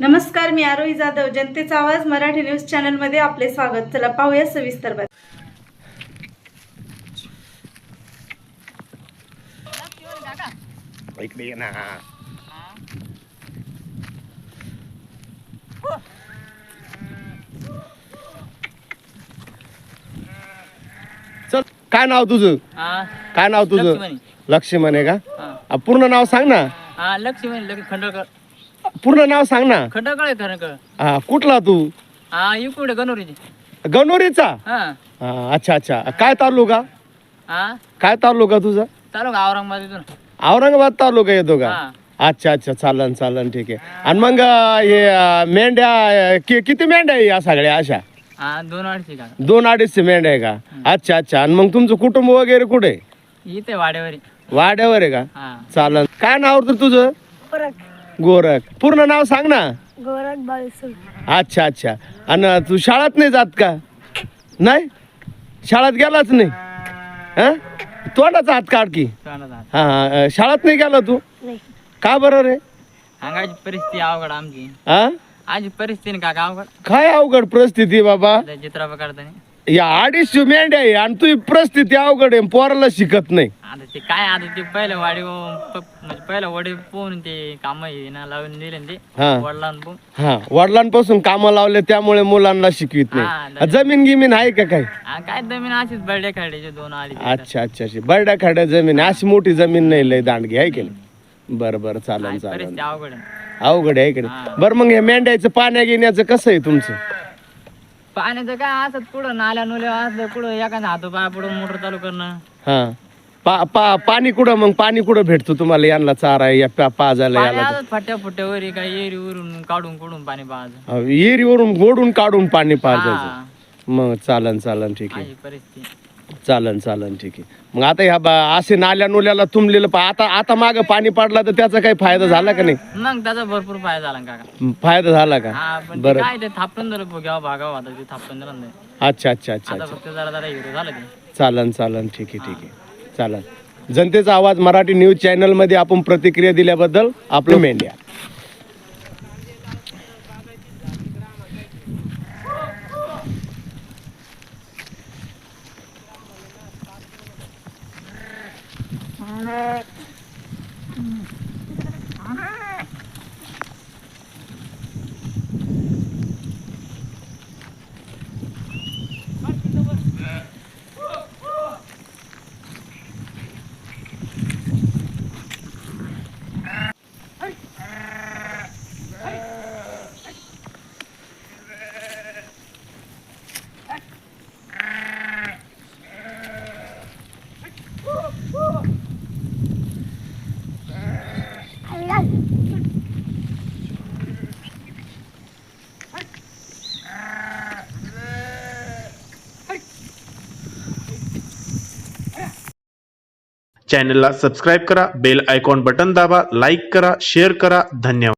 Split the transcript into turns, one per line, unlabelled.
नमस्कार, मी आरोही जाधव. जनतेचा आवाज मराठी न्यूज चॅनल मध्ये आपले स्वागत. चला पाहूया सविस्तर बातमी.
इकडे ये ना. चल, काय नाव तुझं? काय नाव तुझं? लक्ष्मण आहे का? पूर्ण नाव सांग ना.
लक्ष्मण खंडळकर.
पूर्ण नाव सांग ना.
खंडळकर.
हा, कुठला तू?
इकडे गणोरीची.
गणोरीचा?
हा.
अच्छा अच्छा. काय तालुका? काय तालुका तुझा?
तालुका औरंगाबाद इथून.
औरंगाबाद तालुका येतो का?
हा.
अच्छा अच्छा, चालन चालन, ठीक आहे. आणि मग हे मेंढ्या किती मेंढ्या आहे या सगळ्या अशा?
2-2.5 का.
2-2.5 मेंढ्या आहे का? अच्छा अच्छा. आणि मग तुमचं कुटुंब वगैरे कुठे आहे?
इथे वाड्यावरी.
वाड्यावर आहे का?
हा.
चालन. काय नाव होतं तुझं? गोरख. पूर्ण नाव सांग ना.
गोरख बाळसुल.
अच्छा अच्छा. आणि तू शाळेत नाही जात का? नाही, शाळेत गेलाच नाही. हा, तोंडाचा हात काढ की. हा हा. शाळेत नाही गेला तू?
नाही.
का बरं रे?
अंगाची परिस्थिती अवघड आमची.
हा,
आजी परिस्थिती का अवघड.
काय अवघड परिस्थिती बाबा?
चित्रा काढताना
या 250 मेंढ्या आहे आणि तुझी परिस्थिती अवघड आहे. पोराला शिकत नाही.
आता ते काय, आता ते पहिलं वाडी म्हणजे पहिलं वडे पोहून ते काम ना लावून दिले ना ते
हा.
वडिलांना पोहून.
हा, वडिलांपासून कामं लावले त्यामुळे मुलांना शिकवित नाही.
हा,
जमीन गिमीन आहे का काही?
काय जमीन अशीच बर्डे खायचे 2 आली.
अच्छा अच्छा अच्छा. बरड्या खाड्या जमीन आहे. अशी मोठी जमीन नाही लय दांडगी आहे की नाही? बरं बरं, चालन चालन.
परिस्थिती अवघड आहे.
अवघड आहे की नाही? बरं, मग हे मेंढ्याचं पाण्या घेण्याचं कसं आहे तुमचं?
पाण्याचं काय असत पुढं नाल्या नुल्या असलं पुढं एखादा हातो पाय पुढं मोटर चालू करणं.
हा, पाणी कुठं मग? पाणी कुठं भेटतो तुम्हाला? यांना चारा या पाजायला
पाणी
याला?
असत फट्या फुट्यावर काय एरीवरून काढून पाणी पाहायचं.
येरीवरून गोडून काढून पाणी पाजायचं.
हा.
मग चालन चालन, ठीक आहे.
अशी परिस्थिती.
चालन चालन, ठीक आहे. मग आता ह्या असे नाल्या नुल्याला तुंबलेलं आता मागं पाणी पडला तर त्याचा काही फायदा झाला का नाही?
मग त्याचा भरपूर फायदा झाला काका.
फायदा झाला का?
हा, पण ते
बरं.
काय ते थापटून दिलं घ्यावं भागावं आता ते थापटून दिलं नाही.
अच्छा अच्छा अच्छा
आता
अच्छा.
फक्त जरा हिरो झालं ते.
चालन चालन, ठीक आहे ठीक आहे, चालन. जनतेचा आवाज मराठी न्यूज चॅनल मध्ये आपण प्रतिक्रिया दिल्याबद्दल आपलं मेंढ्या.
चॅनलला सबस्क्राईब करा, बेल आयकॉन बटन दाबा, लाईक करा, शेअर करा. धन्यवाद.